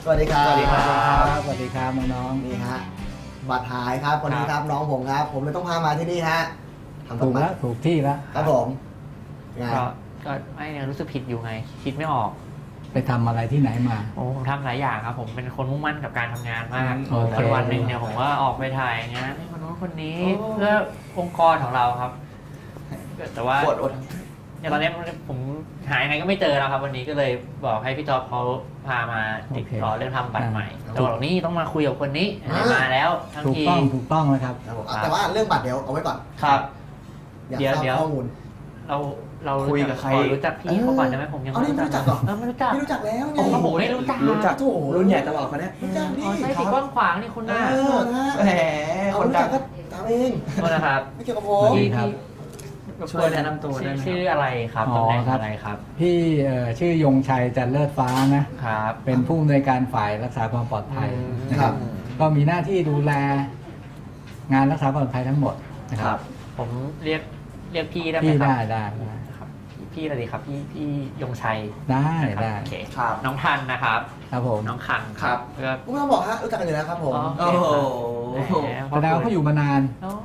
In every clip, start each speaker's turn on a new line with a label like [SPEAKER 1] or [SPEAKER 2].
[SPEAKER 1] วัสดีครับ
[SPEAKER 2] สวัสดีครับ
[SPEAKER 3] สวัสดีครับน้องๆ
[SPEAKER 1] นี่ฮะบัตรหายครับคนนี้ครับน้องผมครับ ผมเลยต้องพามาที่นี่ฮะทำ
[SPEAKER 3] ถูก
[SPEAKER 1] บั
[SPEAKER 3] แล้
[SPEAKER 1] ต
[SPEAKER 3] ว
[SPEAKER 1] ร
[SPEAKER 3] ถูกที่แล้ว
[SPEAKER 1] ครับผมไง
[SPEAKER 2] ก็ไม่เนี่ยรู้สึกผิดอยู่ไง คิดไม่ออก
[SPEAKER 3] ไปทำอะไรที่ไหนมา
[SPEAKER 2] โอ้ผมทำหลายอย่างครับ ผมเป็นคนมุ่งมั่นกับการทำงานมาก
[SPEAKER 3] โอเค
[SPEAKER 2] แล้ววันหนึ่งเนี่ยผมก็ออกไปถ่ายงานให้คนนู้นคนนี้เพื่อองค์กรของเราครับ แต่ว่า
[SPEAKER 1] อด
[SPEAKER 2] อย่างตอนนี้ผมหายังไงก็ไม่เจอแล้วครับ วันนี้ก็เลยบอกให้พี่จอบเขาพามาติดต่อเรื่องทำบัตรใหม่แล้วบอกนี่ต้องมาคุยกับคนนี้มาแล้วทั้ง
[SPEAKER 3] ถูก
[SPEAKER 2] ที
[SPEAKER 3] ต้องนะครับ
[SPEAKER 1] ครับผมแต่ว่าเรื่องบัตรเดี๋ยวเอาไว้ก่อน
[SPEAKER 2] ครับ
[SPEAKER 1] อยาก
[SPEAKER 2] เดี๋ยว
[SPEAKER 1] ทราบ
[SPEAKER 2] เดี๋ยว
[SPEAKER 1] ข้อมูล
[SPEAKER 2] เรา
[SPEAKER 4] คุยกับใคร
[SPEAKER 2] ขอรู้จักพี่เขาก่อนได้ไหมผมยัง
[SPEAKER 1] เอานี่ไม่รู้จักเหรอ
[SPEAKER 2] ไม่รู้จัก
[SPEAKER 1] ไม่รู้จักแล้วไง
[SPEAKER 2] โอ้โหไม่รู้จัก
[SPEAKER 4] รู้จัก
[SPEAKER 1] โถ่
[SPEAKER 4] รุ่นใหญ่ตลอดคนเนี้ย
[SPEAKER 1] รู้จักดิ
[SPEAKER 2] อ๋อใช่สีกว้างขวางนี่คุณน่า
[SPEAKER 1] เออนะ
[SPEAKER 4] แหม
[SPEAKER 1] เอา
[SPEAKER 4] คน
[SPEAKER 1] รู้
[SPEAKER 4] ดั
[SPEAKER 1] จั
[SPEAKER 4] ง
[SPEAKER 1] กก็ถามเอง
[SPEAKER 2] โทษนะครับ
[SPEAKER 1] ไม่เกี่ยวกับผ
[SPEAKER 3] สวั
[SPEAKER 1] ม
[SPEAKER 3] สดีครับ
[SPEAKER 4] ช่วยแนะนำตัวได้ไหม
[SPEAKER 2] ชื่ออะไรครับ
[SPEAKER 3] อ๋อ
[SPEAKER 2] ตำแหน่ง
[SPEAKER 3] ครับ
[SPEAKER 2] อะไรครับ
[SPEAKER 3] พี่ชื่อยงชัยจันเลิศฟ้านะ
[SPEAKER 2] ครับ
[SPEAKER 3] เป็นผู้อำนวยการฝ่ายรักษาความปลอดภัยนะครับ ก็มีหน้าที่ดูแลงานรักษาความปลอดภัยทั้งหมดนะค
[SPEAKER 2] ครั
[SPEAKER 3] รับ
[SPEAKER 2] บ ผมเรียกพี่ได้ไหม
[SPEAKER 3] พี่
[SPEAKER 2] ครั
[SPEAKER 3] ได้
[SPEAKER 2] ครับพี่อะไรดีครับพี่ยงชัย
[SPEAKER 3] ได้
[SPEAKER 2] นะครับ
[SPEAKER 3] ได้
[SPEAKER 2] โอเค
[SPEAKER 4] ครับ
[SPEAKER 2] น้องทันนะครับ
[SPEAKER 3] ครับผม
[SPEAKER 2] น้องคัง
[SPEAKER 4] ครับ
[SPEAKER 2] แล้วก็
[SPEAKER 1] ไม่ต้องบอกฮะรู้จักกันอยู่แล้วครับผม
[SPEAKER 2] อ๋อ
[SPEAKER 4] โอ้โห
[SPEAKER 2] แหม
[SPEAKER 3] แสดงว่าเขาอยู่มานาน
[SPEAKER 2] เนอะ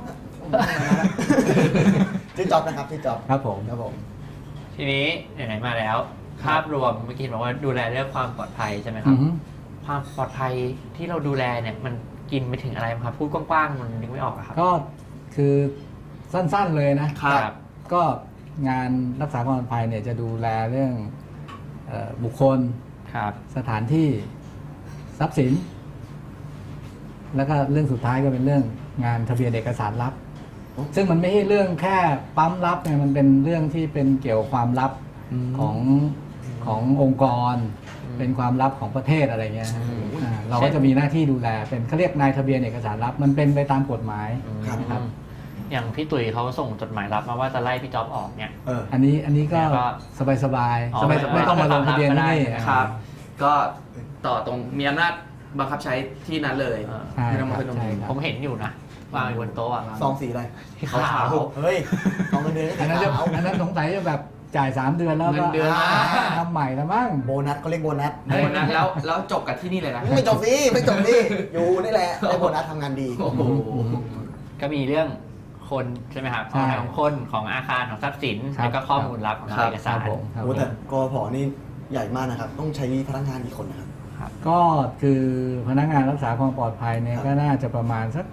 [SPEAKER 1] ชื่อจ๊อบนะครับชื่อจ๊อบ
[SPEAKER 3] ครับผม
[SPEAKER 1] ครับผม
[SPEAKER 2] ทีนี้ไหนๆมาแล้ว ภาพรวมเมื่อกี้บอกว่าดูแลเรื่องความปลอดภัยใช่ไหมค
[SPEAKER 3] อื
[SPEAKER 2] รับ
[SPEAKER 3] อฮึ
[SPEAKER 2] ความปลอดภัยที่เราดูแลเนี่ยมันกินไปถึงอะไรครับพูดกว้างๆมันนึกไม่ออกอะครับ
[SPEAKER 3] ก็คือสั้นๆเลยนะ
[SPEAKER 2] ครับ
[SPEAKER 3] ก็งานรักษาความปลอดภัยเนี่ยจะดูแลเรื่องบุคคล
[SPEAKER 2] ครับ
[SPEAKER 3] สถานที่ทรัพย์สิน แล้วก็เรื่องสุดท้ายก็เป็นเรื่องงานทะเบียนเอกสารลับ ซึ่งมันไม่ใช่เรื่องแค่ปั๊มลับเนี่ยมันเป็นเรื่องที่เป็นเกี่ยวกับความลับขององค์กร เป็นความลับของประเทศอะไรเงี้ยฮะเราก็จะมีหน้าที่ดูแลเป็นเขาเรียกนายทะเบียนเอกสารลับ มันเป็นไปตามกฎหมาย
[SPEAKER 1] ครับ
[SPEAKER 2] อย่างพี่ตุ๋ยเขาส่งจดหมายรับมาว่าจะไล่พี่จ๊อบออกเนี่ย
[SPEAKER 1] เออ
[SPEAKER 3] อันนี้ก็
[SPEAKER 2] แล้วก็
[SPEAKER 3] สบาย
[SPEAKER 2] อ๋อ
[SPEAKER 3] ๆไม่ต้องมาลงทะเบียนที่นี่
[SPEAKER 2] ไม่ต้อง
[SPEAKER 4] ครับ ก็ต่อตรงมีอำนาจบังคับใช้ที่นั้นเลย
[SPEAKER 3] ใช่
[SPEAKER 4] ไม่ต้อง
[SPEAKER 3] ค
[SPEAKER 4] มา
[SPEAKER 3] รับ
[SPEAKER 4] ขึ้นตรง
[SPEAKER 3] ใช่
[SPEAKER 4] นี้
[SPEAKER 3] ครับ
[SPEAKER 2] ผมเห็นอยู่นะวางอยู่บนโต๊ะอะ
[SPEAKER 1] ซองสีอะไร
[SPEAKER 2] ขาว
[SPEAKER 1] เฮ้ยซองเงินเดือน
[SPEAKER 3] อันนั้น
[SPEAKER 1] ขาว
[SPEAKER 3] อันนั้นสงสัยจะแบบจ่าย3 เดือนแล้ว
[SPEAKER 4] เงิ
[SPEAKER 3] ก็
[SPEAKER 4] นเดือน
[SPEAKER 3] ทำใหม่แล้วมั้ง
[SPEAKER 1] โบนัสเขาเรียกโบนัส
[SPEAKER 4] โบนัสแล้วจบกันที่นี่เลยนะ
[SPEAKER 1] ไม่จบสิไม่จบสิอยู่นี่แหละได้โบนัสทำงานดี
[SPEAKER 4] โอ้โห
[SPEAKER 2] ก็มีเรื่องคนใช่ไหมครับ
[SPEAKER 3] ใช่
[SPEAKER 2] ของคนของอาคารของทรัพย์สิน
[SPEAKER 3] ครับ
[SPEAKER 2] แล้วก็ข้อมูลลับของ
[SPEAKER 4] ครับ
[SPEAKER 2] เอก
[SPEAKER 3] ค
[SPEAKER 2] สา
[SPEAKER 3] รับ
[SPEAKER 2] ร
[SPEAKER 3] ผมครับ
[SPEAKER 1] โอ้
[SPEAKER 3] ผม
[SPEAKER 1] แต่กพนี่ใหญ่มากนะครับ ต้องใช้พนักงานกี่คนนะครับ
[SPEAKER 3] ก็คือพนักงานรักษาความปลอดภัยเนี่ย
[SPEAKER 1] ครับ
[SPEAKER 3] ก็น่าจะประมาณสัก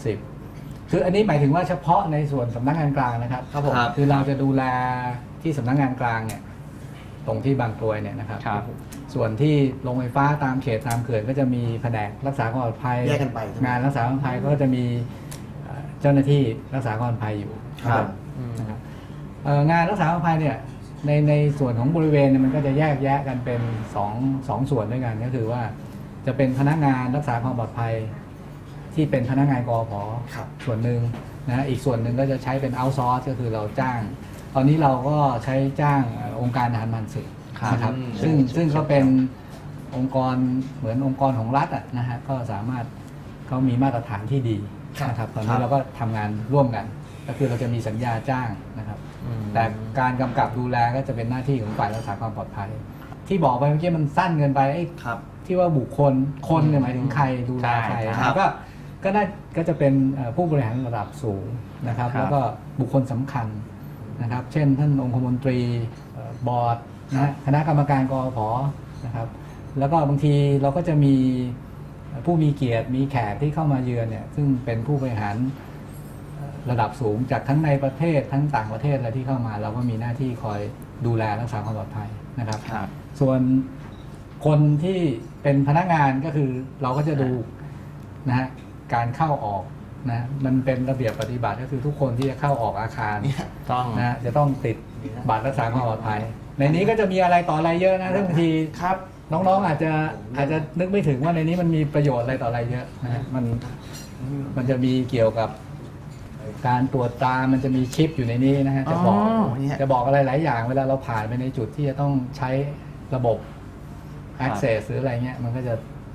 [SPEAKER 3] 60คืออันนี้หมายถึงว่าเฉพาะในส่วนสำนักงานกลางนะครับ
[SPEAKER 1] ครับผม
[SPEAKER 4] ครับ
[SPEAKER 3] คือเราจะดูแลที่สำนักงานกลางเนี่ยตรงที่บางกรวยเนี่ยนะครับ
[SPEAKER 2] ครับ
[SPEAKER 3] ส่วนที่โรงไฟฟ้าตามเขตตามเขื่อนก็จะมีแผนกรักษาความปลอดภัย
[SPEAKER 1] แยกกันไปใช่ไหม
[SPEAKER 3] งานรักษาความปลอดภัยก็จะมีเจ้าหน้าที่รักษาความปลอดภัยอยู่
[SPEAKER 1] ครับ
[SPEAKER 3] นะครับงานรักษาความปลอดภัยเนี่ยในส่วนของบริเวณเนี่ยมันก็จะแยกแยะกันเป็นสองส่วนด้วยกันก็คือว่าจะเป็นพนักงานรักษาความปลอดภัยที่เป็นพนักงานกอพ
[SPEAKER 1] ครับ
[SPEAKER 3] ส่วนหนึ่งนะอีกส่วนหนึ่งก็จะใช้เป็นเอาท์ซอร์สก็คือเราจ้าง ตอนนี้เราก็ใช้จ้างองค์การทหารผ่านศึกนะครับ
[SPEAKER 4] อืม
[SPEAKER 3] ซึ่งก็เป็นองค์กรเหมือนองค์กรของรัฐอะนะฮะก็สามารถเขามีมาตรฐานที่ดีนะครับตอนนี้เราก็ทำงานร่วมกัน ก็คือเราจะมีสัญญาจ้างนะครับ แต่การกำกับดูแลก็จะเป็นหน้าที่ของฝ่ายรักษาความปลอดภัย ที่บอกไปเมื่อกี้มันสั้นเกินไปไอ้
[SPEAKER 4] ครับ
[SPEAKER 3] ที่ว่าบุคคลคนเนี่ยหมายถึงใครดูแลใคร
[SPEAKER 2] ใช่
[SPEAKER 4] ครับ
[SPEAKER 3] ก็จะเป็นผู้บริหารระดับสูงนะครับ
[SPEAKER 2] ครับ
[SPEAKER 3] แล้วก็บุคคลสำคัญนะครับ เช่นท่านองคมนตรีบอร์ดนะฮะคณะกรรมการกอพนะครับ แล้วก็บางทีเราก็จะมีผู้มีเกียรติมีแขกที่เข้ามาเยือนเนี่ยซึ่งเป็นผู้บริหารระดับสูงจากทั้งในประเทศทั้งต่างประเทศอะไรที่เข้ามา เราก็มีหน้าที่คอยดูแลรักษาความปลอดภัยนะครับ
[SPEAKER 2] ครับ
[SPEAKER 3] ส่วนคนที่เป็นพนักงานก็คือเราก็จะดูนะฮะการเข้าออกนะมันเป็นระเบียบปฏิบัติก็คือทุกคนที่จะเข้าออกอาคาร
[SPEAKER 2] ต้อง
[SPEAKER 3] นะจะต้องติดบัตรรักษาความปลอดภัย ในนี้ก็จะมีอะไรต่ออะไรเยอะนะซึ่งบางที
[SPEAKER 4] ครับ
[SPEAKER 3] น้องๆอาจจะนึกไม่ถึงว่าในนี้มันมีประโยชน์อะไรต่ออะไรเยอะนะฮะมันจะมีเกี่ยวกับการตรวจตามันจะมีชิปอยู่ในนี้นะฮะจะบอก จะบอกอะไรหลายอย่างเวลาเราผ่านไปในจุดที่จะต้องใช้ระบบ access หรืออะไรเงี้ยมันก็จะ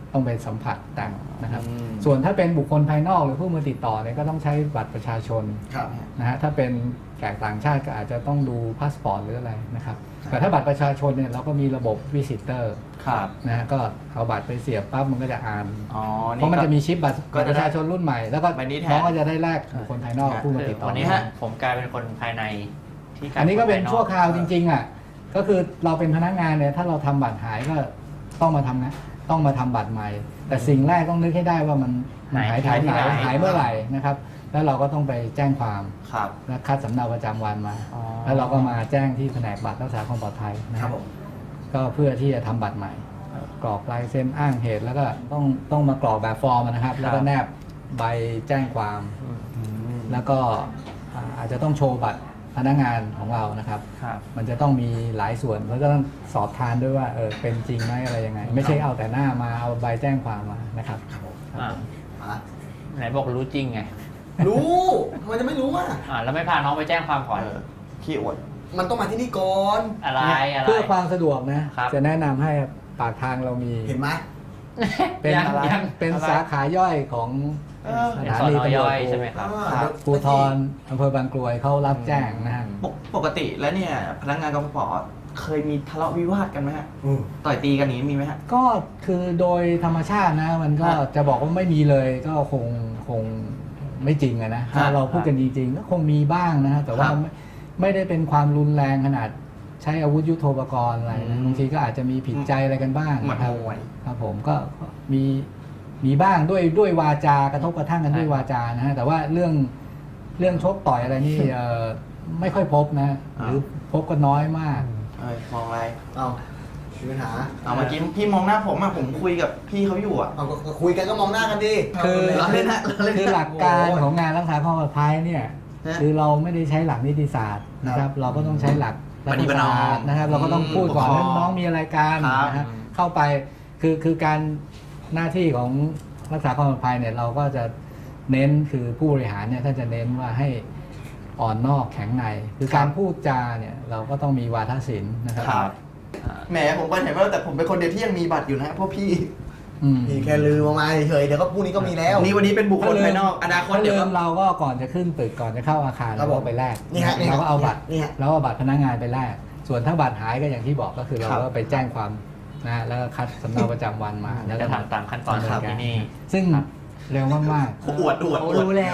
[SPEAKER 3] ต้องไปสัมผัสแต่งนะครับ
[SPEAKER 4] อืม
[SPEAKER 3] ส่วนถ้าเป็นบุคคลภายนอกหรือผู้มาติดต่อเนี่ยก็ต้องใช้บัตรประชาชน
[SPEAKER 1] ครับ
[SPEAKER 3] นะฮะถ้าเป็นแขกต่างชาติก็อาจจะต้องดูพาสปอร์ตหรืออะไรนะครับแต่ถ้าบัตรประชาชนเนี่ยเราก็มีระบบวิสิเตอร์
[SPEAKER 4] ครับ
[SPEAKER 3] นะฮะก็เอาบัตรไปเสียบปั๊บมันก็จะอ่าน
[SPEAKER 4] อ๋อ
[SPEAKER 3] เพราะมันจะมีชิปบัตร
[SPEAKER 4] ก็จะได้
[SPEAKER 3] ประชาชนรุ่นใหม่ แล้วก็
[SPEAKER 4] ใบนี้แทน
[SPEAKER 3] น้องก็จะได้แลกบุคคลภายนอกผู้มาติดต่อ
[SPEAKER 2] วันนี้
[SPEAKER 4] ฮะ
[SPEAKER 2] ผมกลายเป็นคนภายในที่กลาย
[SPEAKER 3] อันนี้ก็เป็น
[SPEAKER 2] คภาย
[SPEAKER 3] ชั่วคราวจริงๆอ่ะก็คือเราเป็นพนักงานเนี่ยถ้าเราทำบัตรหายก็ต้องมาทำนะต้องมาทำบัตรใหม่ แต่สิ่งแรกต้องนึกให้ได้ว่ามันหายหายเมื่อไหร่นะครับ แล้วเราก็ต้องไปแจ้งความ
[SPEAKER 4] ครับ
[SPEAKER 3] และคัดสำเนาประจำวันมา
[SPEAKER 2] อ๋อ
[SPEAKER 3] แล้วเราก็มาแจ้งที่แผนกบัตรรักษาความปลอดภัยนะ
[SPEAKER 1] ค
[SPEAKER 3] ค
[SPEAKER 1] รั
[SPEAKER 3] รั
[SPEAKER 1] บบ ผม
[SPEAKER 3] ก็เพื่อที่จะทำบัตรใหม่ กรอกลายเซ็นอ้างเหตุ แล้วก็ต้องมากรอกแบบฟอร์มนะครับ แล้วก็แนบใบแจ้งความ แล้วก็อาจจะต้องโชว์บัตรพนักงานของเรานะครับ
[SPEAKER 2] ครับ
[SPEAKER 3] มันจะต้องมีหลายส่วนแล้วก็ต้องสอบทานด้วยว่าเป็นจริงไหมอะไรยังไง ไม่ใช่เอาแต่หน้ามาเอาใบแจ้งความมานะครับ
[SPEAKER 1] ครับผม
[SPEAKER 2] อ่า
[SPEAKER 1] อ่ะ
[SPEAKER 2] ไหนบอกรู้จริงไง
[SPEAKER 1] รู้ทำไมจะไม่รู้อ่ะ
[SPEAKER 2] แล้วไม่พาน้องไปแจ้งความก่อน
[SPEAKER 4] ขี้อวด
[SPEAKER 1] มันต้องมาที่นี่ก่อน
[SPEAKER 2] อะไรอะไร
[SPEAKER 3] เพื่อความสะดวกนะครับ จะแนะนำให้ปากทางเรามี
[SPEAKER 1] เห็นไหม
[SPEAKER 3] เป็น
[SPEAKER 2] ยัง
[SPEAKER 3] เป็น
[SPEAKER 2] อะไร
[SPEAKER 3] สาขาย่อยของ
[SPEAKER 4] เออ
[SPEAKER 3] ส
[SPEAKER 2] เป็น
[SPEAKER 3] ถา
[SPEAKER 2] สอน
[SPEAKER 3] นี
[SPEAKER 2] อ
[SPEAKER 3] ตำร
[SPEAKER 2] ย่
[SPEAKER 3] ว
[SPEAKER 2] อ
[SPEAKER 3] จ
[SPEAKER 2] ยใช่ไหมครับ
[SPEAKER 3] ภูธรอำเภอบางกรวยเขารับแจ้งนะฮะ
[SPEAKER 4] ปกติแล้วเนี่ยพนักงานกฟผเคยมีทะเลาะวิวาทกันไหมฮะ
[SPEAKER 1] อืม
[SPEAKER 4] ต่อยตีกันอย่างนี้มีไหมฮะ
[SPEAKER 3] ก็คือโดยธรรมชาตินะมันก็
[SPEAKER 4] ครับ
[SPEAKER 3] จะบอกว่าไม่มีเลยก็คงไม่จริงอะนะถ้าเราพูดกันจริงๆก็คงมีบ้างนะฮะแต่ว่า
[SPEAKER 4] ครับ
[SPEAKER 3] ไม่ได้เป็นความรุนแรงขนาดใช้อาวุธยุโทโธปกรณ์อะไร
[SPEAKER 4] อื
[SPEAKER 3] นะ
[SPEAKER 4] ม
[SPEAKER 3] บางทีก็อาจจะมีผิดใจอะไรกันบ้าง
[SPEAKER 4] เหมือน
[SPEAKER 3] นะครับ
[SPEAKER 4] มวย
[SPEAKER 3] ครับผมก็มีบ้างด้วยวาจากระทบกระทั่งกันด้วยวาจานะฮะแต่ว่าเรื่องชกต่อยอะไรนี่ไม่ค่อยพบนะหรือพบก็น้อยมาก
[SPEAKER 4] เอ้ยมองอะไร
[SPEAKER 1] เอามีปัญหา
[SPEAKER 4] เอาเมื่อกี้พี่มองหน้าผมอะผมคุยกับพี่เขาอยู่อะ
[SPEAKER 1] เอาก็คุยกันก็มองหน้ากันดิ
[SPEAKER 3] คือ
[SPEAKER 4] เราเล่นฮะเราเล่น
[SPEAKER 3] คือหลักการของงานรักษาความปลอดภัยเนี่ย
[SPEAKER 4] ฮะ
[SPEAKER 3] คือเราไม่ได้ใช้หลักนิติศาสตร์นะครับ เราก็ต้องใช้หลักรัฐศาสตร์นะครับ เราก็ต้องพูดก่อน
[SPEAKER 4] ปกครอง
[SPEAKER 3] ว่าน้องมีอะไรกัน
[SPEAKER 4] ครับ
[SPEAKER 3] นะฮะเข้าไปคือการหน้าที่ของรักษาความปลอดภัยเนี่ยเราก็จะเน้นคือผู้บริหารเนี่ยท่านจะเน้นว่าให้อ่อนนอกแข็งในคือการพูดจาเนี่ยเราก็ต้องมีวาทศิลป์นะครับ
[SPEAKER 4] ครับแหมผมก็เห็นว่าแต่ผมเป็นคนเดียวที่ยังมีบัตรอยู่นะฮะพวกพี่
[SPEAKER 3] อืม
[SPEAKER 1] พี่แค่ลืมออกมาเฉยๆเดี๋ยวก็พรุ่งนี้ก็มีแล้ว
[SPEAKER 4] นี่วันนี้เป็นบุคคลภายนอกอนาคต
[SPEAKER 3] ถ้า
[SPEAKER 4] เดี๋ยว
[SPEAKER 3] ลื
[SPEAKER 4] ก็
[SPEAKER 3] มเราก็ก่อนจะขึ้นตึกก่อนจะเข้าอาคาร
[SPEAKER 1] ครั
[SPEAKER 3] เรา
[SPEAKER 1] บผม
[SPEAKER 3] ก็ไปแลก
[SPEAKER 1] นี่ฮะนี่ฮะ
[SPEAKER 3] เราก็เอาบัตร
[SPEAKER 1] นี่ฮะ
[SPEAKER 3] เราเอาบัตรพนักงานไปแลกส่วนถ้าบัตรหายก็อย่างที่บอกก็คือเรา
[SPEAKER 4] ครับ
[SPEAKER 3] ก็ไปแจ้งความนะฮะแล้วก็คัดสำเนาประจำวันมาแล้วก็
[SPEAKER 2] จะทำตามขั้นตอน
[SPEAKER 3] ดำเ
[SPEAKER 2] ครับที่นี่
[SPEAKER 3] ซึ่งเร็วมาก
[SPEAKER 4] อวด
[SPEAKER 2] เขารู้แล้ว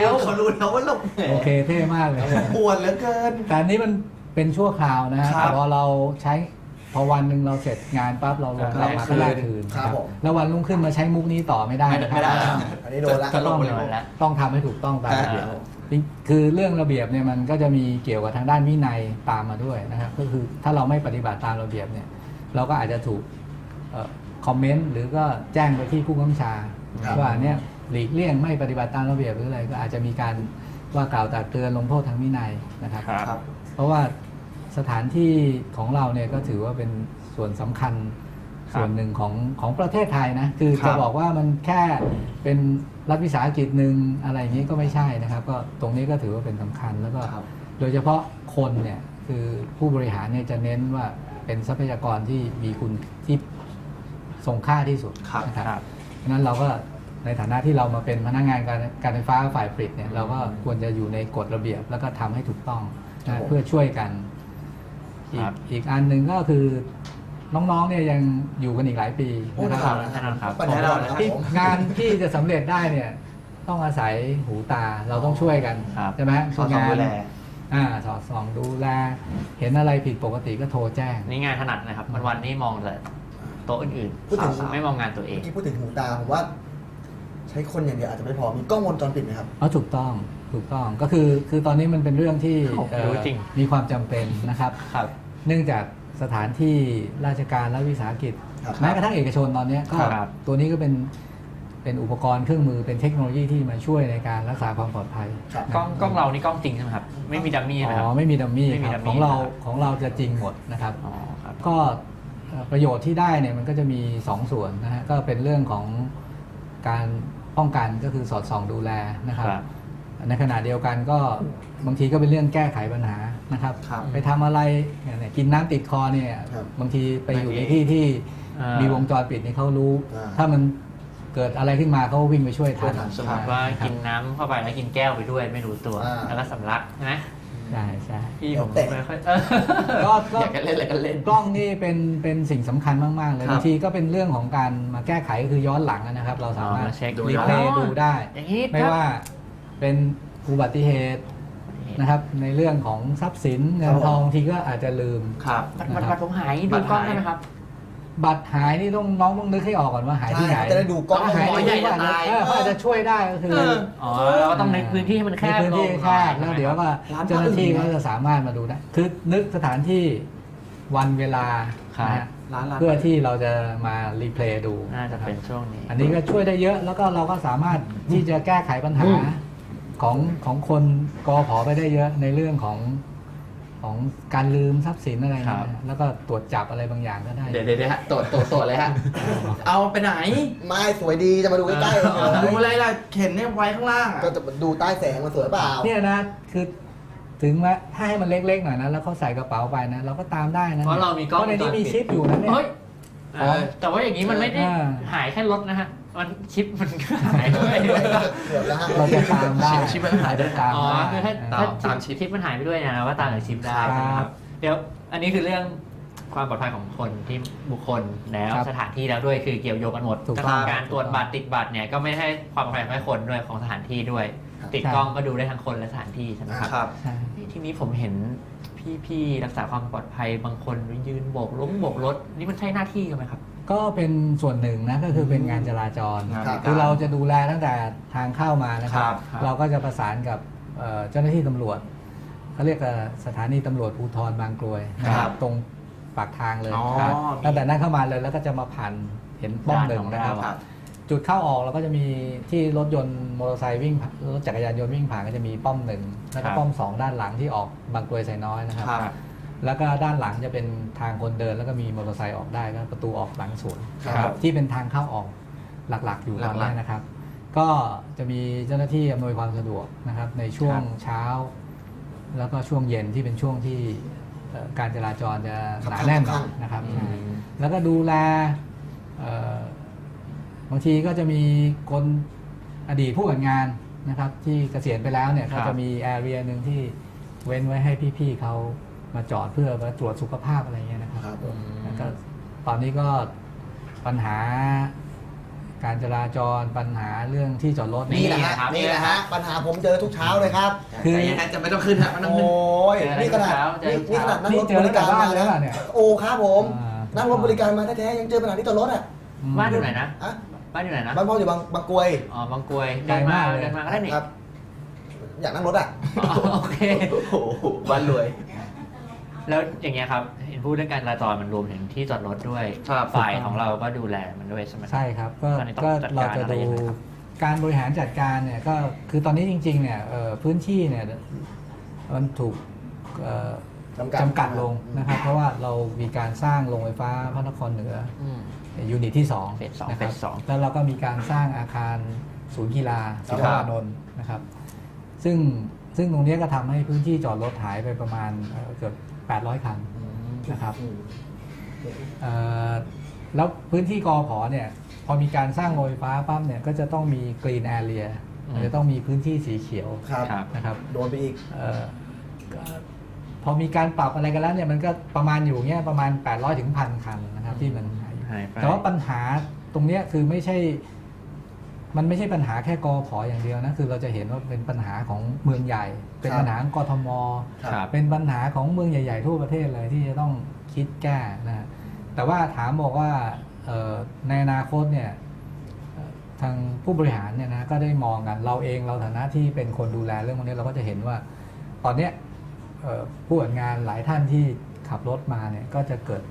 [SPEAKER 4] เขารู้แล้วว่าหลบ
[SPEAKER 3] ๆโอเคเท่มากเลย
[SPEAKER 4] อวดเหลือเกิน
[SPEAKER 3] แต่อันนี้มันเป็นชั่วคราวนะฮะ
[SPEAKER 4] ครับ
[SPEAKER 3] แต่พอเราใช้พอวันหนึ่งเราเสร็จงานปั๊บเราลง
[SPEAKER 4] ก็
[SPEAKER 3] เรามาก็แลกคืน
[SPEAKER 1] ครับผม
[SPEAKER 3] แล้ววันรุ่งขึ้นมาใช้มุกนี้ต่อไม่ได้นะค
[SPEAKER 4] ไม่ได้
[SPEAKER 3] รับ
[SPEAKER 1] อันนี้โดนละ
[SPEAKER 3] ก็ต้อง
[SPEAKER 2] โดนละ
[SPEAKER 3] ต้องทำให้ถูกต้องตามระเบียบ
[SPEAKER 1] ครับ
[SPEAKER 3] คือเรื่องระเบียบเนี่ยมันก็จะมีเกี่ยวกับทางด้านวินัยตามมาด้วยนะครับก็คือถ้าเราไม่ปฏิบัติตามระเบียบเนี่ยเราก็อาจจะถูกคอมเมนต์หรือก็แจ้งไปที่ผู้กำกับชา
[SPEAKER 1] ครับ
[SPEAKER 3] ว่าเนี่ยหลีกเลี่ยงไม่ปฏิบัติตามระเบียบหรืออะไรก็อาจจะมีการว่ากล่าวตักเตือนลงโทษทางวินัยนะครับ
[SPEAKER 2] ครับ
[SPEAKER 3] เพราะว่าสถานที่ของเราเนี่ยก็ถือว่าเป็นส่วนสำคัญ
[SPEAKER 2] ครับ
[SPEAKER 3] ส่วนหนึ่งของประเทศไทยนะคือ
[SPEAKER 4] ครั
[SPEAKER 3] จะ
[SPEAKER 4] บ
[SPEAKER 3] บอกว่ามันแค่เป็นรัฐวิสาหกิจหนึ่งอะไรอย่างนี้ก็ไม่ใช่นะครับ ก็ตรงนี้ก็ถือว่าเป็นสำคัญแล้วก็
[SPEAKER 1] ครับ
[SPEAKER 3] โดยเฉพาะคนเนี่ยคือผู้บริหารเนี่ยจะเน้นว่าเป็นทรัพยากรที่มีคุณที่ทรงค่าที่สุด
[SPEAKER 4] ครับ
[SPEAKER 3] นะครับ
[SPEAKER 2] ครับ
[SPEAKER 3] เพราะฉะนั้นเราก็ในฐานะที่เรามาเป็นพนักงานการไฟฟ้าฝ่ายผลิตเนี่ยเราก็ควรจะอยู่ในกฎระเบียบแล้วก็ทำให้ถูกต้อง
[SPEAKER 1] ครับ
[SPEAKER 3] นะ
[SPEAKER 1] ผม
[SPEAKER 3] เพื่อช่วยกัน
[SPEAKER 2] ครับ
[SPEAKER 3] อีกอันหนึ่งก็คือน้องๆเนี่ยยังอยู่กันอีกหลายปี
[SPEAKER 1] โอ้
[SPEAKER 3] นะ
[SPEAKER 1] นะ
[SPEAKER 3] ค
[SPEAKER 1] ค
[SPEAKER 3] รั
[SPEAKER 1] รั
[SPEAKER 3] บบ
[SPEAKER 2] ครับ
[SPEAKER 1] ปัญหาเรานะครับ
[SPEAKER 3] ที่
[SPEAKER 1] ผม
[SPEAKER 3] งานที่จะสำเร็จได้เนี่ยต้องอาศัยหูตาเราต้องช่วยกัน
[SPEAKER 2] ครับ
[SPEAKER 3] ใช่ไหม
[SPEAKER 4] สอดส่องดูแล
[SPEAKER 3] สอดส่องดูแลเห็นอะไรผิดปกติก็โทรแจ้ง
[SPEAKER 2] นี่งานถนัดนะครับวันๆนี่มองแต่โต๊ะอื่น
[SPEAKER 1] พูดถึง
[SPEAKER 2] ๆไม่มองงานตัวเอ
[SPEAKER 1] เมื่
[SPEAKER 2] ง
[SPEAKER 1] อกี้พูดถึงหูตาผมว่า ใช้คนอย่างเดียวอาจจะไม่พอมีกล้องวงจรปิดไหมครับ
[SPEAKER 3] ถูกต้องก็คือตอนนี้มันเป็นเรื่องที่
[SPEAKER 2] โอ้โหรู้จริง
[SPEAKER 3] มีความจำเป็นนะครับ
[SPEAKER 2] ครับ
[SPEAKER 3] เนื่องจากสถานที่ราชการและวิสาหกิจ
[SPEAKER 1] ครับ
[SPEAKER 3] แม้กระทั่งเอกชนตอนนี้ก็
[SPEAKER 2] ครับ
[SPEAKER 3] ตัวนี้ก็เป็นอุปกรณ์เครื่องมือเป็นเทคโนโลยีที่มาช่วยในการรักษาความปลอดภัย
[SPEAKER 1] ครับ
[SPEAKER 2] กล้องเรานี่กล้องจริงใช่ไหมครับ ไม่มีดัมมี่ใช่ไหมค
[SPEAKER 3] อ๋
[SPEAKER 2] รับ
[SPEAKER 3] อไม่มีดัมมี่
[SPEAKER 2] ไม่มี
[SPEAKER 3] ครับ
[SPEAKER 2] ดัมมี่
[SPEAKER 3] ของเราจะจริงหมดนะครับ
[SPEAKER 2] อ๋อครับ
[SPEAKER 3] ก็ประโยชน์ที่ได้เนี่ยมันก็จะมี 2 ส่วนนะฮะก็เป็นเรื่องของการป้องกันก็คือสอดส่องดูแลนะครับ
[SPEAKER 2] ครับ
[SPEAKER 3] ในขณะเดียวกันก็บางทีก็เป็นเรื่องแก้ไขปัญหานะครับ
[SPEAKER 4] ครับ
[SPEAKER 3] ไปทำอะไรเนี่ยกินน้ำติดคอเนี่ย
[SPEAKER 1] ครับ
[SPEAKER 3] บางทีไปอยู่ใน
[SPEAKER 2] บางที
[SPEAKER 3] ที่ที่มีวงจรปิดนี่เขารู้
[SPEAKER 1] อ่า
[SPEAKER 3] ถ้ามันเกิดอะไรขึ้นมาเขาวิ่งไปช่วยทัน
[SPEAKER 1] ช่วยทัน
[SPEAKER 2] สมมติว่ากินน้ำเข้าไปแล้วกินแก้วไปด้วยไม่รู้ตัว
[SPEAKER 1] อ่า
[SPEAKER 2] แล้วก็สำลักใช่ไหม
[SPEAKER 3] ใช่ใช่
[SPEAKER 2] พี่ผม
[SPEAKER 1] เตะ
[SPEAKER 2] ไม่ค่อย
[SPEAKER 3] ก็
[SPEAKER 4] อยากจะเล่นอะไรก็เล่น
[SPEAKER 3] กล้องนี่เป็นสิ่งสำคัญมากๆเลย
[SPEAKER 4] ครับ
[SPEAKER 3] บางทีก็เป็นเรื่องของการมาแก้ไขก็คือย้อนหลังนะครับ เราสามารถ
[SPEAKER 2] เช็ค
[SPEAKER 4] ดู
[SPEAKER 3] รีเพลย์ดูได้
[SPEAKER 2] อย่างนี้
[SPEAKER 3] ไม่ว่าเป็นอุบัติเหตุนะครับ ในเรื่องของทรัพย์สินเงินทองทีก็อาจจะลืม
[SPEAKER 4] ครับ
[SPEAKER 2] บัตรผมหายดูกล้องได้ไหมครับ
[SPEAKER 3] บัตรหายนี่น้องต้องนึกให้ออกก่อนว่าหายที่ไหน
[SPEAKER 1] ใช่จะได้ดูกล้อง
[SPEAKER 3] ถ้าหาย
[SPEAKER 4] หมอ
[SPEAKER 3] ที่
[SPEAKER 4] ใหญ่
[SPEAKER 3] นี่
[SPEAKER 4] จะตาย
[SPEAKER 3] เขาอาจจะช่วยได้ก็คือ
[SPEAKER 2] อ๋อเราก็ต้องในพื้นที่ให้มันแค
[SPEAKER 3] ใน
[SPEAKER 2] บ
[SPEAKER 3] พื้นที่
[SPEAKER 2] ลง
[SPEAKER 3] แคบแล้วเดี๋ยวก็
[SPEAKER 4] ร้าน
[SPEAKER 3] เจ้าหน้าที่
[SPEAKER 4] อื่น
[SPEAKER 3] ก็จะสามารถมาดูได้คือนึกสถานที่วันเวลา
[SPEAKER 2] ครับ
[SPEAKER 3] นะฮะ
[SPEAKER 4] ร้าน
[SPEAKER 3] เพื่อที่เราจะมารีเพลย์ดู
[SPEAKER 2] น่าจะเป็นช่วงนี้
[SPEAKER 3] อันนี้ก็ช่วยได้เยอะแล้วก็เราก็สามารถที่จะแก้ไขปัญหาของคนกผไปได้เยอะในเรื่องของการลืมทรัพย์สินอะไรนะแล้วก็ตรวจจับอะไรบางอย่างก็ได้
[SPEAKER 4] เดี๋ยวฮะตรวจเลยฮะ เอาไปไหน
[SPEAKER 1] ไม่สวยดีจะมาดูใกล้ๆ
[SPEAKER 4] ดูอะไรล่ะเข็นเนี่ยไว้ข้างล่างอะ
[SPEAKER 1] ก็จะดูใต้แสงมันสวยเปล่า
[SPEAKER 3] เนี่ยนะคือถึงแม้ถ้าให้มันเล็กๆหน่อยนะแล้วเขาใส่กระเป๋าไปนะเราก็ตามได้นะ
[SPEAKER 2] เพราะเรามีกล้อง
[SPEAKER 3] เพราะในนี้มีชิปอยู่นะเนี่ย
[SPEAKER 2] เฮ้ยแต่ว่าอย่างนี้มันไม่ได้
[SPEAKER 3] อ่า
[SPEAKER 2] หายแค่รถนะฮะมันชิปมันก็หายด้วย
[SPEAKER 1] เกือบแล้วฮะ
[SPEAKER 3] เราจะตามได้
[SPEAKER 4] ชิปมันหายด้วย
[SPEAKER 3] ตาม
[SPEAKER 2] อ๋อ
[SPEAKER 3] ได้
[SPEAKER 2] คือถ้า
[SPEAKER 3] นะ
[SPEAKER 2] ถ้าชิปมันหายไปด้วยนะว่าตามจากชิปได้
[SPEAKER 3] ครับ
[SPEAKER 2] นะครับเดี๋ยวอันนี้คือเรื่องความปลอดภัยของคนที่บุคคลแล้ว
[SPEAKER 3] ครับ
[SPEAKER 2] สถานที่แล้วด้วยคือเกี่ยวโยงกันหมด
[SPEAKER 3] ถูกต้อง
[SPEAKER 2] การตรวจบัตรติดบัตรเนี่ยก็ไม่ให้ความปลอดภัยของคนด้วยของสถานที่ด้วย
[SPEAKER 1] ครับ
[SPEAKER 2] ติดกล้องก็ดูได้ทั้งคนและสถานที่ใช่ไหมครับ
[SPEAKER 4] ครับ
[SPEAKER 3] ใช่
[SPEAKER 2] ทีนี้ผมเห็นพี่ๆรักษาความปลอดภัยบางคนยืนโบกรถนี่มันใช่หน้าที่กันไหมครับ
[SPEAKER 3] ก็เป็นส่วนหนึ่งนะก็คือเป็นงานจราจร
[SPEAKER 1] ครับ
[SPEAKER 3] คือเราจะดูแลตั้งแต่ทางเข้ามานะครั
[SPEAKER 4] ครับ บ
[SPEAKER 3] เราก็จะประสานกับเจ้าหน้าที่ตำรวจเขาเรียกสถานีตำรวจภูธรบางกรวยนะครับตรงปากทางเลย
[SPEAKER 4] อ๋อ
[SPEAKER 3] ครับ
[SPEAKER 4] มี
[SPEAKER 3] ตั้งแต่นั้นเข้ามาเลยแล้วก็จะมาผ่านเห็นป้อมหนึ่งนะครับ
[SPEAKER 2] ด้านของเรา
[SPEAKER 3] จุดเข้าออกเราก็จะมีที่รถยนต์มอเตอร์ไซค์วิ่งผ่านรถจักรยานยนต์วิ่งผ่านก็จะมีป้อมหนึ่งแล้วก็ป้อมสองด้านหลังที่ออกบางกรวยไซน้อยนะครับ
[SPEAKER 4] ครับ
[SPEAKER 3] แล้วก็ด้านหลังจะเป็นทางคนเดินแล้วก็มีมอเตอร์ไซค์ออกได้ก็ประตูออกหลังสวน
[SPEAKER 1] ครับ
[SPEAKER 3] ที่เป็นทางเข้าออกหลักๆ อยู่ตอน
[SPEAKER 4] หลั
[SPEAKER 3] นี้
[SPEAKER 4] กๆ
[SPEAKER 3] นะครับ ก็จะมีเจ้าหน้าที่อำนวยความสะดวกนะครับ ในช่วงเช้า แล้วก็ช่วงเย็นที่เป็นช่วงที่การจราจรจะหนาแน่นหน่อยนะครับ
[SPEAKER 2] อืม
[SPEAKER 3] แล้วก็ดูแลบางทีก็จะมีคนอดีตผู้จัดงานนะครับ ที่เกษียณไปแล้วเนี่ย
[SPEAKER 2] ครั
[SPEAKER 3] ก็
[SPEAKER 2] บ
[SPEAKER 3] จะมีแอเรียหนึ่งที่เว้นไว้ให้พี่ๆเขามาจอดเพื่อมาตรวจสุขภาพอะไรเงี้ยนะครับ
[SPEAKER 1] ครับผม
[SPEAKER 3] แล้วก็ตอนนี้ก็ปัญหาการจราจรปัญหาเรื่องที่จอดรถ
[SPEAKER 1] นี่แหละฮะ
[SPEAKER 2] ครับ
[SPEAKER 1] นี่แหละฮะปัญหาผมเจอทุกเช้าเลยครับ
[SPEAKER 3] คือ
[SPEAKER 4] แต่ยังไงจะไม่ต้องขึ้นฮะไม่ต้อง
[SPEAKER 1] โอ้
[SPEAKER 4] ขึ้น
[SPEAKER 1] ยนี่ขนาด
[SPEAKER 2] เจอทุก
[SPEAKER 1] นี่
[SPEAKER 2] เช้า
[SPEAKER 1] ขนาดนั่งรถ
[SPEAKER 3] นี่เจอบ
[SPEAKER 1] ริการ
[SPEAKER 3] ตั้งแต่บ้าน
[SPEAKER 1] มา
[SPEAKER 3] เลยเหรอเนี่ย
[SPEAKER 1] โอ้ครับผม
[SPEAKER 3] อ่า
[SPEAKER 1] นั่งรถบริการมาแท้ๆยังเจอปัญหาที่จอดรถอ่ะ
[SPEAKER 2] บ้านอยู่ไหนนะ
[SPEAKER 1] อะ
[SPEAKER 2] บ้านอยู่ไหนนะ
[SPEAKER 1] บ้านพ่ออยู่บางกรวย
[SPEAKER 2] อ๋อบางกรวย
[SPEAKER 3] ไกลมากเลย
[SPEAKER 2] เดินมาก็ได้นี่
[SPEAKER 1] ครับ อยากนั่งรถอ่ะ
[SPEAKER 2] อ๋อโอเค
[SPEAKER 4] โอ้โหบ้านรวย
[SPEAKER 2] แล้วอย่างเงี้ยครับเห็นพูดเรื่องการจราจรมันรวมถึงที่จอดรถด้วย
[SPEAKER 4] ครับ
[SPEAKER 2] ฝ่ายของเราก็ดูแลมันด้วยใช่ไหม
[SPEAKER 3] ใช่ครับก็
[SPEAKER 2] ตอนนี้ต้อง
[SPEAKER 3] ก็
[SPEAKER 2] จัด
[SPEAKER 3] เรา
[SPEAKER 2] การ
[SPEAKER 3] จะ
[SPEAKER 2] อะไร
[SPEAKER 3] ดู
[SPEAKER 2] ยังไงครับ
[SPEAKER 3] การบริหารจัดการเนี่ยก็คือตอนนี้จริงๆเนี่ยพื้นที่เนี่ยมันถูกจำกัดลงนะครับ เพราะว่าเรามีการสร้างโรงไฟฟ้าพระนครเหนือ
[SPEAKER 2] อืม
[SPEAKER 3] ยูนิตที่2
[SPEAKER 2] เฟสสอง
[SPEAKER 3] นะครั
[SPEAKER 2] เฟสสอง
[SPEAKER 3] แล้วเราก็มีการสร้างอาคารศูนย์กีฬาศิลปานนท์นะครับ ซึ่งตรงนี้ก็ทำให้พื้นที่จอดรถหายไปประมาณเกือบ800 คันนะครับแล้วพื้นที่กผเนี่ยพอมีการสร้างโรงไฟฟ้าปั๊บเนี่ยก็จะต้องมีกรีนแอเรียจะต้องมีพื้นที่สีเขียว
[SPEAKER 1] ครับ
[SPEAKER 2] ครับ
[SPEAKER 3] นะครับ
[SPEAKER 1] โดนไปอีก
[SPEAKER 3] ก็พอมีการปรับอะไรกันแล้วเนี่ยมันก็ประมาณอยู่เงี้ยประมาณ800 ถึง 1,000 คันนะครับที่มันหายอยู่
[SPEAKER 2] หายไป
[SPEAKER 3] แต่ว่าปัญหาตรงเนี้ยคือมันไม่ใช่ปัญหาแค่กผอย่างเดียวนะคือเราจะเห็นว่าเป็นปัญหาของเมืองใหญ่ เป็นปัญหาของกทม
[SPEAKER 2] ครับ
[SPEAKER 3] เป็นปัญหาของเมืองใหญ่ๆทั่วประเทศเลยที่จะต้องคิดแก้นะแต่ว่าถามบอกว่าในอนาคตเนี่ยทางผู้บริหารเนี่ยนะก็ได้มองกันเราเองเราฐานะที่เป็นคนดูแลเรื่องพวกนี้เราก็จะเห็นว่าตอนเนี้ยผู้จัดงานหลายท่านที่ขับรถมาเนี่ยก็จะเกิด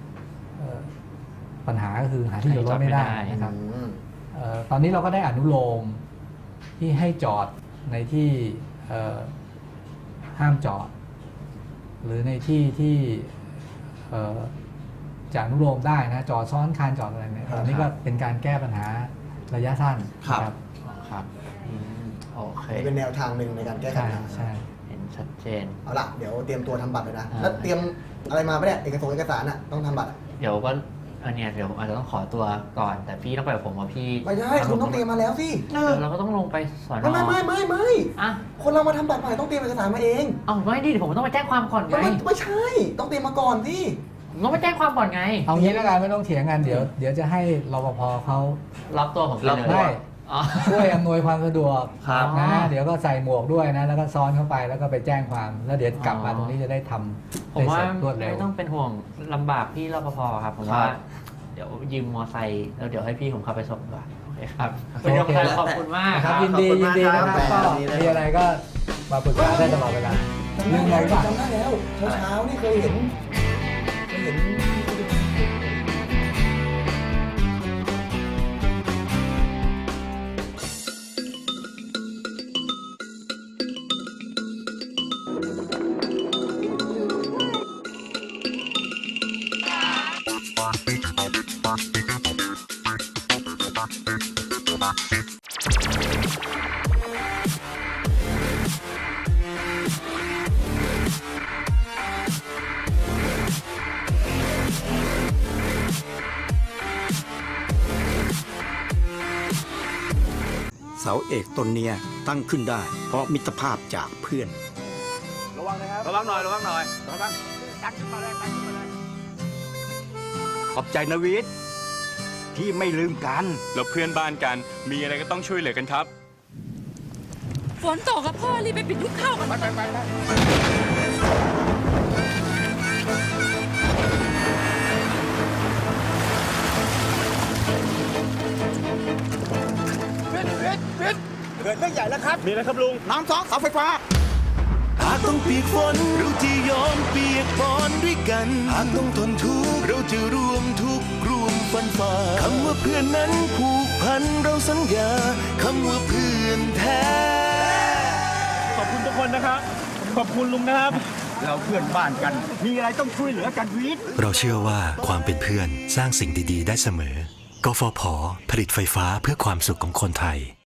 [SPEAKER 3] ปัญหาก็คือหาที่จอดรถไม่ได้นะครับ ตอนนี้เราก็ได้อนุโลมที่ให้จอดในที่ห้ามจอด หรือในที่ที่จะอนุโลมได้นะจอดซ้อนคันจอดอะไรเนี่ยตอนนี้ก็เป็นการแก้ปัญหาระยะสั้น
[SPEAKER 4] ครับ
[SPEAKER 3] นะครับ
[SPEAKER 2] ครับอืมโอเค
[SPEAKER 1] เป็นแนวทางหนึ่งในการแก้ไข
[SPEAKER 3] ใช่
[SPEAKER 1] ปัญหา
[SPEAKER 3] ใช่
[SPEAKER 2] เห็นชัดเจน
[SPEAKER 1] เอาล่ะเดี๋ยวเตรียมตัวทำบัตรเลยนะ
[SPEAKER 2] อ่า
[SPEAKER 1] แล้วเตรียมอะไรมาปะเนี่ยเอกสารอ่ะต้องทำบัตรอะ
[SPEAKER 2] เดี๋ยวก็เนี่ยเดี๋ยวผมอาจจะต้องขอตัวก่อน แต่พี่ต้องไปกับผมว่าพี่
[SPEAKER 1] ไม่ได้คุณต้องเตรียมมาแล้วสิ
[SPEAKER 2] เราก็ต้องลงไปสอน
[SPEAKER 1] ไม่
[SPEAKER 2] อ่ะ
[SPEAKER 1] คนเรามาทำบัตรใหม่ต้องเตรียมเอกสารมาเอง
[SPEAKER 2] เอาไม่ดิผมต้องไปแจ้งความก่อนไง
[SPEAKER 1] ไม่ใช่ต้องเตรียมมาก่อนพี่
[SPEAKER 2] ผมต้องไปแจ้งความก่อนไง
[SPEAKER 3] เอางี้แล้วกันไม่ต้องเถียงกันเดี๋ยวจะให้รปภเขา
[SPEAKER 2] รับตัวผมไปเลย
[SPEAKER 3] ได้
[SPEAKER 2] อ๋อ
[SPEAKER 3] ช่วยอำนวยความสะดวก
[SPEAKER 2] ครับ
[SPEAKER 3] นะเดี๋ยวก็ใส่หมวกด้วยนะแล้วก็ซ้อนเข้าไปแล้วก็ไปแจ้งความแล้วเดี๋ยวกลับมาตรงนี้จะได้ทำ
[SPEAKER 2] ผมว่า
[SPEAKER 3] ได้เสร็จรวดเร็ว
[SPEAKER 2] ไม่ต้องเป็นห่วงลำบากพี่รปภครับผมว่า เดี๋ยวยืมมอไซค์แล้วเดี๋ยวให้พี่ผมขับไปส่งดีกว่าโอเคครับคุณยงครับขอบคุณมาก
[SPEAKER 3] ค
[SPEAKER 2] ค
[SPEAKER 3] รั
[SPEAKER 2] รั
[SPEAKER 3] บบ ยินดีนะครับก็มีอะไรก็มาปรึกษาได้ตลอดเวลาเรื่องอะไรบ้าง
[SPEAKER 1] จำได้แล้วเช้านี่เคยเห็น
[SPEAKER 5] เสาเอกต้นเนี้ยตั้งขึ้นได้ เพราะมิตรภาพจากเพื่อน
[SPEAKER 6] ระวังหน่อยระวังหน่อยดันขึ้นมาเลยดันขึ้นมาเลยขอบใจนะวิทย์ที่ไม่ลืมกัน
[SPEAKER 7] เราเพื่อนบ้านกัน มีอะไรก็ต้องช่วยเหลือกันครับ
[SPEAKER 8] ฝนตกกับพ่อรีบไปปิดยุ้งข้าวกัน
[SPEAKER 6] เกิดเรื่องใหญ่แล้วครับ มีอะไรครับลุง
[SPEAKER 5] น้ำซอกเสาไฟฟ้า
[SPEAKER 9] หากต้องเปียกฝนเราจะยอมเปียกปอนด้วยกันหากต้องทนทุกข์เราจะรวมทุกข์ร่วมฟันฝ่าคำว่าเพื่อนนั้นผูกพันเราสัญญาคำว่าเพื่อนแท้
[SPEAKER 6] ขอบคุณทุกคนนะครับ ขอบคุณลุงนะครับ เราเพื่อนบ้านกัน มีอะไรต้องช่วยเหลือกันวิทย์
[SPEAKER 9] เราเชื่อว่าความเป็นเพื่อนสร้างสิ่งดีๆได้เสมอกฟผผลิตไฟฟ้าเพื่อความสุขของคนไทย